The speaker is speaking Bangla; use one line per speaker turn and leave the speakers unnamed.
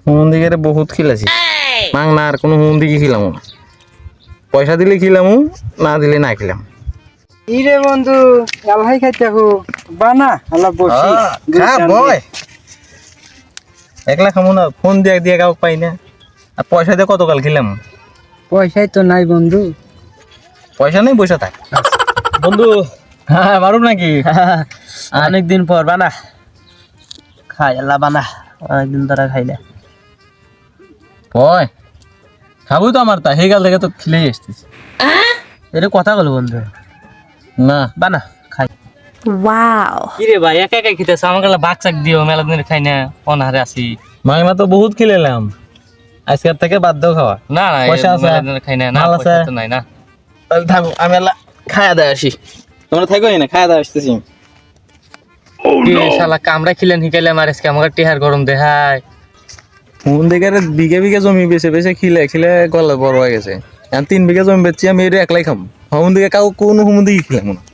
হুমন দিকে বহুত খিলাছি মাংনা আর কোনো হুমন দিকে খিলাম না পয়সা দিলে খিলাম না দিলে না খিলাম
ইরে বন্ধু আল্লাহ খাইতে হো বানা আল্লাহ বসি
খা বয় একলা খামো না ফোন দিয়ে দিয়ে কাউ পাই না আর পয়সা দিয়ে কতকাল খিলাম
পয়সাই তো নাই বন্ধু
পয়সা নেই পয়সা থাক
বন্ধু
হ্যাঁ মারুম নাকি
অনেকদিন পর বানা খাই আল্লাহ বানা অনেকদিন ধরে খাইলে
ওই খাবো তো আমার তা হেগাল থেকে তো খিলেই আসতেছি
এটা কথা বলো বন্ধু
না
বানা খাই
Wow.
কি রে ভাই একা একা খেতেছ আমাকে ভাগ চাক দিও মেলা দিন খাই না অনাহারে আছি
মাংনা তো বহুত খিলেলাম আজকের থেকে বাদ দাও খাওয়া
না না
পয়সা আছে?
মেলা দিন খাই না না
মাল
পয়সা
আছে?
তো নাই না
তাহলে থাকো আমি আল্লাহ খায়া দেয় আসি তোমরা থাকো না খায়া দেয় আসতেছি
কি শালা কামড়া খিলেন হিকাইলে আমার আজকে আমাকে টিহার গরম দেখায়
হুন দিকে বিঘে বিঘে জমি বেছে বেছে খিলে খিলে গলা বড় হয়ে গেছে 3 বিঘা জমি বেচছি আমি এটা একলাই খাম হুন দিকে কাউ কোনো হুমন দিকে খিলাম না